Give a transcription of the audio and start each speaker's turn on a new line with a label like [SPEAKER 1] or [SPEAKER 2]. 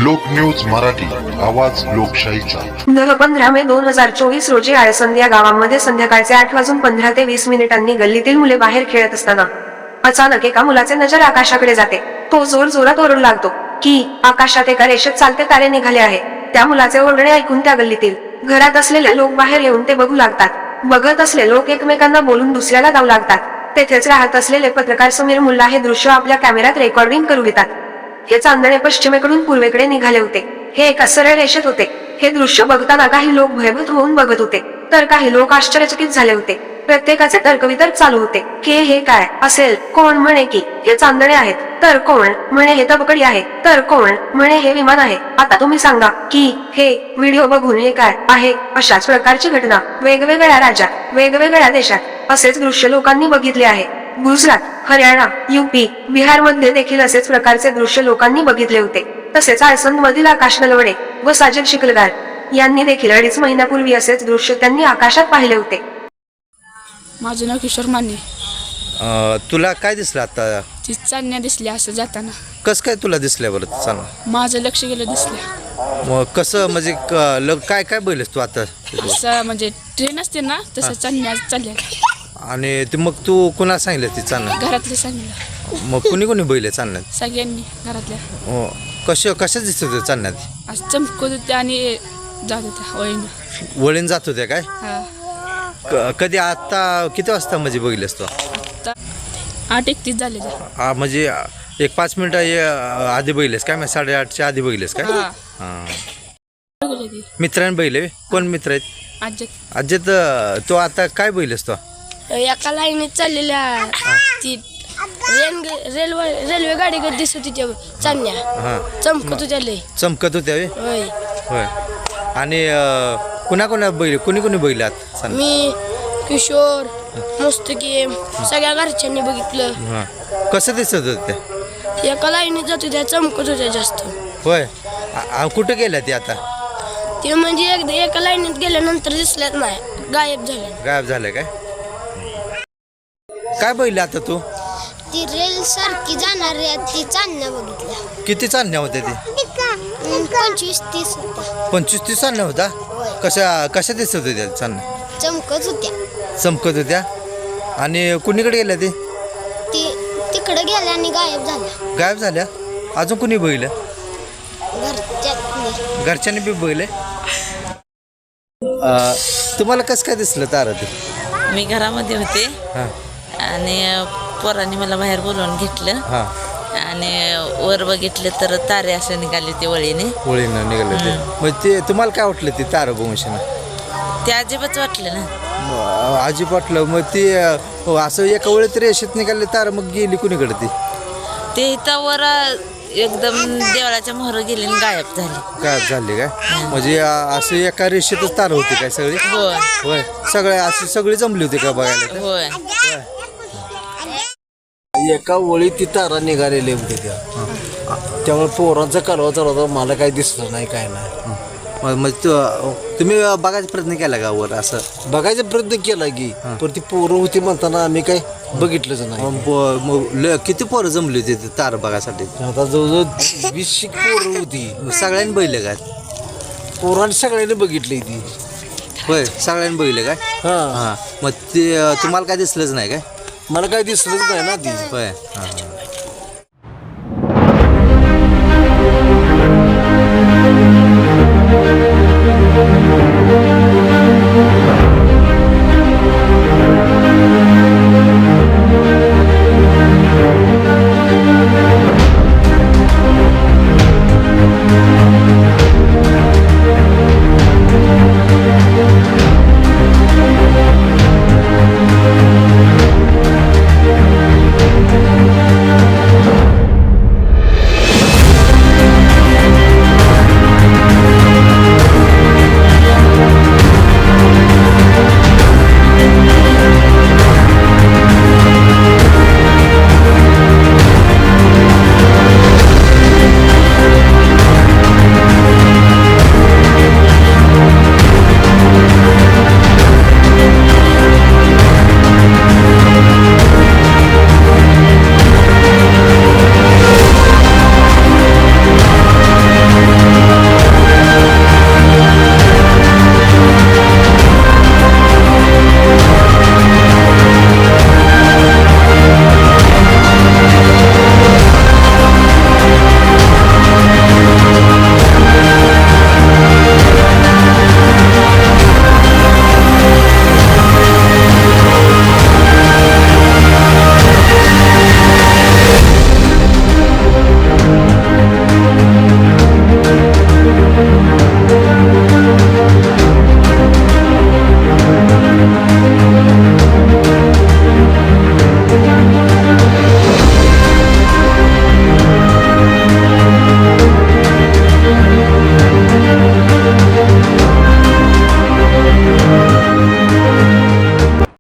[SPEAKER 1] लोकन्यूज मराठी, आवाज लोकशाहीचा.
[SPEAKER 2] 15 मे 2024 रोजी आळसंद या गावामध्ये संध्याकाळचे 8:15 ते 20 मिनिटांनी गल्लीतील मुले बाहेर खेळत असताना अचानक एका मुलाचे नजर आकाशाकडे जाते. तो जोर जोरात ओरडू लागतो की आकाशात एका रेषेत चालते तारे निघाले आहे. त्या मुलाचे ओरडणे ऐकून त्या गल्लीतील घरात असलेले लोक बाहेर येऊन ते बघू लागतात. बघत असलेले लोक एकमेकांना बोलून दुसऱ्याला धावू लागतात. तेथेच राहत असलेले पत्रकार समीर मुल्ला हे दृश्य आपल्या कॅमेऱ्यात रेकॉर्डिंग करू घेतात. हे चांदणे पश्चिमेकडून पूर्वेकडे निघाले होते. हे एका सरळ रेषेत होते. हे दृश्य बघताना काही लोक भयभीत होऊन बघत होते, तर काही लोक आश्चर्यचकित झाले होते. प्रत्येकाचे तर्कवितर्क चालू होते की हे काय असेल. कोण म्हणे की हे चांदणे आहेत, तर कोण म्हणे हे तबकडी आहे, तर कोण म्हणे हे विमान आहे. आता तुम्ही सांगा की हे व्हिडिओ बघून हे काय आहे. अशाच प्रकारची घटना वेगवेगळ्या राज्यात, वेगवेगळ्या देशात असेच दृश्य लोकांनी बघितले आहे. गुजरात, हरियाणा, यूपी, बिहार मध्ये देखील असेच प्रकारचे दृश्य लोकांनी बघितले होते. तसेच आळसंद मधील आकाश नलवडे व साजल शिकलगार यांनी देखील 2.5 महिन्यापूर्वी असेच दृश्य त्यांनी आकाशात पाहिले होते.
[SPEAKER 3] माझं नाव किशोर माने.
[SPEAKER 4] तुला काय दिसलं आता?
[SPEAKER 3] ती चांदण्या दिसल्या असं जाताना.
[SPEAKER 4] कसं काय तुला दिसल्या बरं? सांग.
[SPEAKER 3] माझं लक्ष गेलं दिसल्या.
[SPEAKER 4] मग कसं म्हणजे काय काय बघितलंस तू आता?
[SPEAKER 3] असं म्हणजे ट्रेन असते ना तसं चांदण्या चालल्या.
[SPEAKER 4] आणि ते मग तू कुणाला सांगितलं ती चालणं?
[SPEAKER 3] घरातले सांगितलं.
[SPEAKER 4] मग कुणी बघितलं चालण्यात?
[SPEAKER 3] सगळ्यांनी घरातल्या.
[SPEAKER 4] हो. कशा दिसत होत्या चालण्यात?
[SPEAKER 3] असं चमकत होत्या आणि जात होत्या वळीनं.
[SPEAKER 4] वळीन जात होत्या काय?
[SPEAKER 3] हा.
[SPEAKER 4] कधी आता किती वाजता म्हणजे बघितलंस तू?
[SPEAKER 3] आता 8:31 झालेल्या.
[SPEAKER 4] म्हणजे एक 5 मिनिटं आधी बघितलेस काय? मग 8:30च्या आधी बघितलेस काय?
[SPEAKER 3] हा.
[SPEAKER 4] हां. मित्रांनी बघितले? कोण मित्र आहेत? अज्जत. तो आता काय बघितलेस तो?
[SPEAKER 5] एका लाईनीत चाललेल्या ती रेल्वे गाडी कधी दिसत होती चांदण्या.
[SPEAKER 4] हां.
[SPEAKER 5] चमकत होत्या लय.
[SPEAKER 4] चमकत होत्या
[SPEAKER 5] होय.
[SPEAKER 4] होय. आणि कुणा बघितले? कोणी बघितलात?
[SPEAKER 5] मी, किशोर, मुस्तकीम सगळ्या घरच्यांनी बघितलं.
[SPEAKER 4] हां. कसं दिसत होत्या?
[SPEAKER 5] एका लाईनीत जात होत्या, चमकत होत्या जास्त.
[SPEAKER 4] होय. कुठं गेल्या ती आता?
[SPEAKER 5] ते म्हणजे एका लाईनीत गेल्यानंतर दिसल्यात नाही, गायब
[SPEAKER 4] झालं काय? काय बघितलं आता तू?
[SPEAKER 5] ती रेल सारखी जाणार ती चांदण्या बघितल्या.
[SPEAKER 4] किती चालण्या होत्या ती?
[SPEAKER 5] 25-30 होत्या.
[SPEAKER 4] 25-30 चालण्या होता? कशा दिसत होत्या चालण्या?
[SPEAKER 5] चमकत होत्या.
[SPEAKER 4] आणि कुणीकडे गेल्या ती?
[SPEAKER 5] ती तिकडे गेल्या आणि गायब
[SPEAKER 4] झाल्या. अजून कुणी बघितलं? घरच्यांनी बी बघितले. तुम्हाला कसं काय दिसलं तारा ते?
[SPEAKER 6] मी घरामध्ये होते.
[SPEAKER 4] हां.
[SPEAKER 6] आणि पोरांनी मला बाहेर बोलवून घेतलं.
[SPEAKER 4] हां.
[SPEAKER 6] आणि वर बघितले तर तारे असे निघाले ते वळीने
[SPEAKER 4] निघाले ते. मग ते तुम्हाला काय वाटलं ते तारा बघून?
[SPEAKER 6] ते अजिबात वाटलं ना.
[SPEAKER 4] अजिबात वाटलं. मग ते असं एका वेळेत रेषेत निघाले तारा, मग गेली कुणीकडे ती?
[SPEAKER 6] ते इथं वर एकदम देवळाच्या मोहर गेले आणि गायब
[SPEAKER 4] झाली काय? म्हणजे असं एका रेषेतच तारा होती काय सगळी?
[SPEAKER 6] होय.
[SPEAKER 4] होय. सगळी जमली होती का बघायला?
[SPEAKER 6] होय.
[SPEAKER 7] एका वळी ती तारा निघालेली होती त्यामुळे पोरांचा कालवा चालू होता. मला काही दिसलं नाही, काय नाही.
[SPEAKER 4] मग तुम्ही बघायचा प्रयत्न केला का वर? असं
[SPEAKER 7] बघायचा प्रयत्न केला की, पण ती पोरं होती म्हणताना आम्ही काही बघितलंच नाही.
[SPEAKER 4] मग किती पोरं जमली होती ते तारा बघायसाठी?
[SPEAKER 7] आता जवळजवळ 20 पोरं होती.
[SPEAKER 4] सगळ्यांनी बघितलं काय?
[SPEAKER 7] पोरांनी सगळ्यांनी बघितली ती.
[SPEAKER 4] होय. सगळ्यांनी बघितलं काय?
[SPEAKER 7] हां.
[SPEAKER 4] मग ते तुम्हाला काय दिसलंच नाही काय?
[SPEAKER 7] मला काही दिसलंच नाही ना ती.
[SPEAKER 4] होय. हां.